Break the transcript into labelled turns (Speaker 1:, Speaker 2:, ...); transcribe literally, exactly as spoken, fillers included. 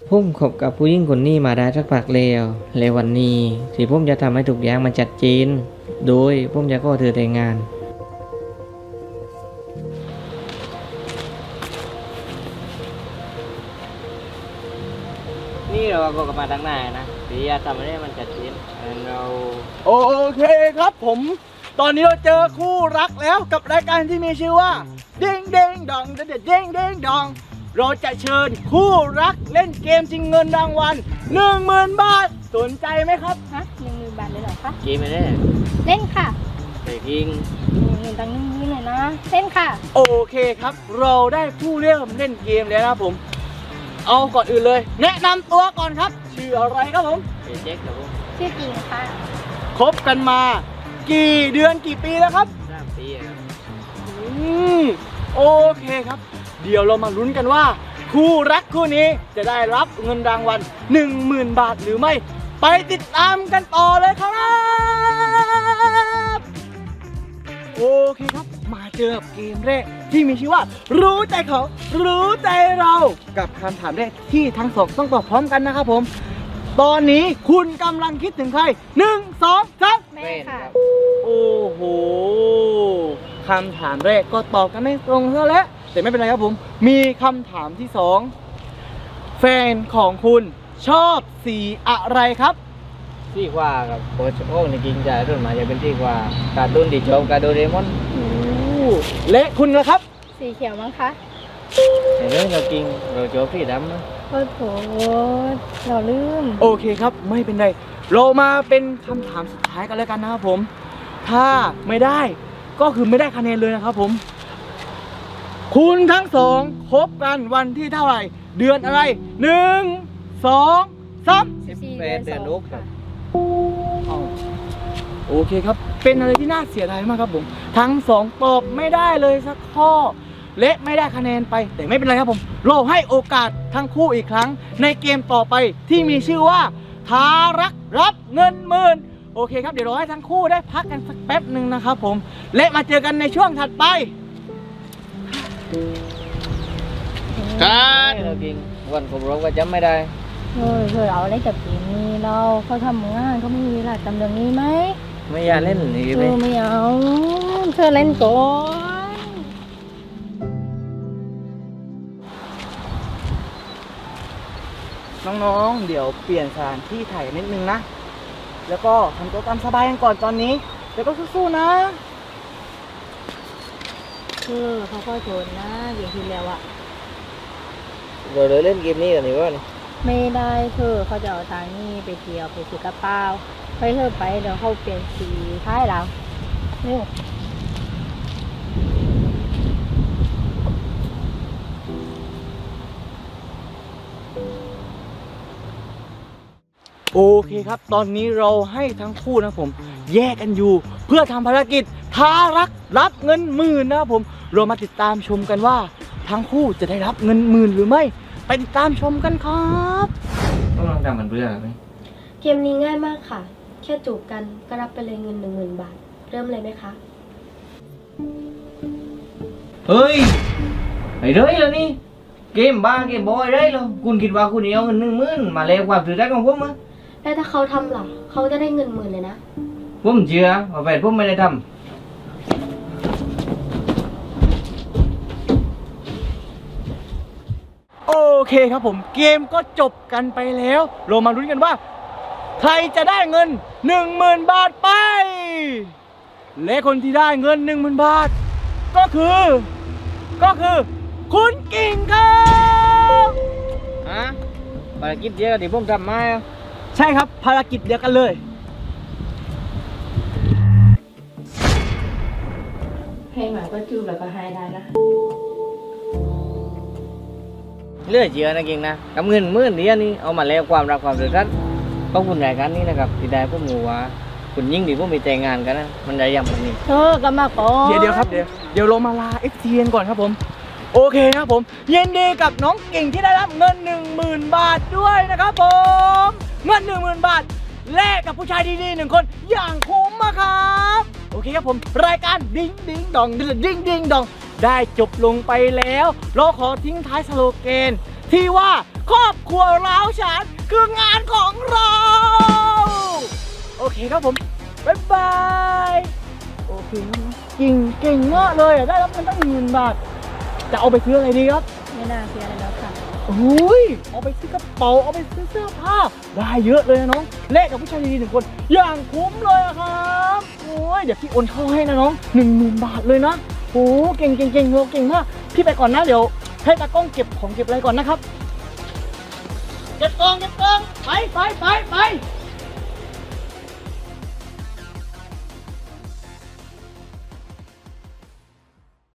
Speaker 1: ผมคบกับผู้หญิงคนนี้มาได้สักพักแล้วและวันนี้ที่ผมจะทำให้ทุกอย่างมันชัดเจนโดยผมจะขอเธอแต่งงานนี่เราก็กลับมาตั้งนานนะที่จะทำให้มันชัดเจนเรา
Speaker 2: โอเคครับผม ตอนนี้เราเจอคู่รักแล้วกับรายการที่มีชื่อว่าเด้งเด้งดองเด็ดเด้งเด้งดองเราจะเชิญคู่รักเล่นเกมชิงเงินรางวัลหนึ่งหมื่นบาทสนใจไหมครับ
Speaker 3: ฮะหนึ่งหมื่นบาทเลยเหรอคะ
Speaker 1: เกมไม่ได้
Speaker 3: เล่นค่ะ
Speaker 1: แต่ยิง
Speaker 3: เงินตังค์นี้หน่อยนะ เล่นค่ะ
Speaker 2: โอเคครับ เราได้ผู้เริ่มเล่นเกมแล้วนะครับผม เอาก่อนอื่นเลย แนะนำตัวก่อนครับชื่ออะไรครับผม
Speaker 1: เป็นเจ๊กครับผม
Speaker 3: ชื่อจริงค่ะ
Speaker 2: คบกันมา กี่เดือนกี่ปีแล้วครับ
Speaker 1: สามปีครับ
Speaker 2: อืมโอเคครับ เดี๋ยวเรามาลุ้นกันว่า คู่รักคู่นี้จะได้รับเงินรางวัลหนึ่งหมื่นบาทหรือไม่ ไปติดตามกันต่อเลยครับโอเคครับ มาเจอกับเกมแรกที่มีชื่อว่า รู้ใจเขารู้ใจเรากับคำถามแรกที่ทั้งสองต้องตอบพร้อมกันนะครับผม ตอนนี้คุณกำลังคิดถึงใครหนึ่งสองสาม
Speaker 3: แม่ค่ะ
Speaker 2: โอ้โห คำถามแรกก็ตอบกันไม่ตรงซะแล้วแต่ไม่เป็นไรครับผม มีคำถามที่สองแฟนของคุณชอบสีอะไรครับ
Speaker 1: ที่กว่าครับโค้ชโอ้ในจริงใจรุ่นมาจะเป็นที่กว่าการ์ตูนดิชอบการ์โดเรมอน
Speaker 2: และคุณล่ะครับ
Speaker 3: สีเขียวมั้งคะ
Speaker 1: ในเรื่องเรากินเราชอบสีดำนะ
Speaker 3: โอ้โหเราลืม
Speaker 2: โอเคครับไม่เป็นไร เรามาเป็นคำถามสุดท้ายกันแล้วกันนะครับผม ถ้าไม่ได้ก็คือไม่ได้คะแนนเลยนะครับผม คุณทั้งสองคบกันวันที่เท่าไหร่ เดือนอะไรหนึ่งสองสาม
Speaker 1: สิบ
Speaker 3: สี่
Speaker 1: แปดเดือนลูกครับ
Speaker 2: อ้าวโอเคครับ เป็นอะไรที่น่าเสียดายมากครับผม ทั้งสองตอบไม่ได้เลยสักข้อ และไม่ได้คะแนนไป แต่ไม่เป็นไรครับผม เราให้โอกาสทั้งคู่อีกครั้ง ในเกมต่อไปที่มีชื่อว่าท้ารักรับเงินหมื่นโอเคครับ เดี๋ยวเราให้ทั้งคู่ได้พักกันสักแป๊บหนึ่งนะครับผม และมาเจอกันในช่วงถัดไป การ
Speaker 1: เรากินวันครบรอบก็จำไม่ได้
Speaker 3: เฮ้ยเฮ้ยเอาอะไรกับปีนี้เราเขาทำงานเขาไม่มีเวลาทำเรื่องนี้ไหม
Speaker 1: ไม่อยากเล่นอีก
Speaker 3: เธ
Speaker 1: เล
Speaker 3: อย ไม่เอาเธอเล่นก่อน
Speaker 2: น้องๆ เดี๋ยวเปลี่ยนสถานที่ถ่ายนิดนึงนะ แล้วก็ทำตัวตามสบายกันก่อนตอนนี้แล้วก็สู้ๆนะ
Speaker 3: เธอเขาก็โจรนะอย่างที่แล้วอะ
Speaker 1: เราเลยเล่นเกมนี้กันดีกว่านี่
Speaker 3: ไม่ได้เธอเขาจะเอาตังค์นี่ไปเที่ยวไปซื้อกระเป๋าไปเธอไปเดี๋ยวเขาเปลี่ยนสีท้ายเราเร็ว
Speaker 2: โอเคครับ ตอนนี้เราให้ทั้งคู่นะผม แยกกันอยู่ เพื่อทำภารกิจท้ารักรับเงินหมื่นนะครับผม เรามาติดตามชมกันว่า ทั้งคู่จะได้รับเงินหมื่นหรือไม่ ไปติดตามชมกันครับ
Speaker 1: ต้องลองทำมันเพื่อไหม
Speaker 4: เกมนี้ง่ายมากค่ะ แค่จูบกันก็รับไปเลยเงินหนึ่งหมื่นบาท เริ่มเลยไหมคะ
Speaker 1: เฮ้ยไอ้เรื่อยแล้วนี่เกมบ้าเกมบอยเรื่อยแล้วคุณคิดว่าคุณเอาเงินหนึ่งหมื่นมาแล้วความถือได้ของผมมั้ย
Speaker 4: แล้วถ้าเขาทำล่ะ เขาจะได้เงินหมื่นเลยนะ
Speaker 1: ผมเชื่อว่าแฟนผมไม่ได้ทำ
Speaker 2: โอเคครับผม เกมก็จบกันไปแล้ว เรามาลุ้นกันว่า ใครจะได้เงินหนึ่งหมื่นบาทไป และคนที่ได้เงินหนึ่งหมื่นบาท ก็คือ ก็คือ คุณกิ่งครับ
Speaker 1: ฮะภารกิจเดียวที่ผมทำมาอะ
Speaker 2: ใช่ครับภารกิจเดียวกันเลย
Speaker 3: ให้หมาก็จูบแล้วก็ให้ได้นะ
Speaker 1: เลือดเชื่อนะเก่งนะกับเงินหมื่นเดียวนี่เอามาแล้วความรักความสุขขอบคุณรายการนี้นะครับที่ได้พวกหมูว่าคุณยิ่งดีพวกมีแต่งงานกันนะมันได้อย่างแบบนี้
Speaker 3: เธอก็มาก่อน
Speaker 2: เดี๋ยวเดี๋ยวครับเดี๋ยวเดี๋ยวเรามาลา เอฟ ซี เอ็น ก่อนครับผม โอเคนะครับผมยินดีกับน้องกิ่งที่ได้รับเงิน หนึ่งหมื่น บาทด้วยนะครับผมเงิน หนึ่งหมื่น บาทแลกกับผู้ชายดีๆหนึ่งคนอย่างคุ้มอะครับโอเคครับผมรายการดิ้งดิ้งดองดิ้งดิ้งดองได้จบลงไปแล้วเราขอทิ้งท้ายสโลแกนที่ว่าครอบครัวร้าวฉานคืองานของเรา โอเคครับผม บ๊ายบาย โอเคครับเก่งเก่งมากเลยอ่ะได้รับเงินตั้งหนึ่งหมื่นบาท จะเอาไปซื้ออะไรดีครับ
Speaker 3: ไม่น่าเสียเลยแล้วค่ะ
Speaker 2: โอ้ยเอาไปซื้อกระเป๋า เอาไปซื้อเสื้อผ้า ได้เยอะเลยนะน้องเละกับผู้ชายดีๆหนึ่งคน อย่างคุ้มเลยอะครับโอ้ยเดี๋ยวพี่โอนเข้าให้นะน้องหนึ่งหมื่นบาทเลยนะโอ้เก่งเก่งเก่งเราเก่งมาก พี่ไปก่อนนะเดี๋ยวให้ตากล้องเก็บของเก็บอะไรก่อนนะครับ เก็บกองเก็บกองไปไปไปไป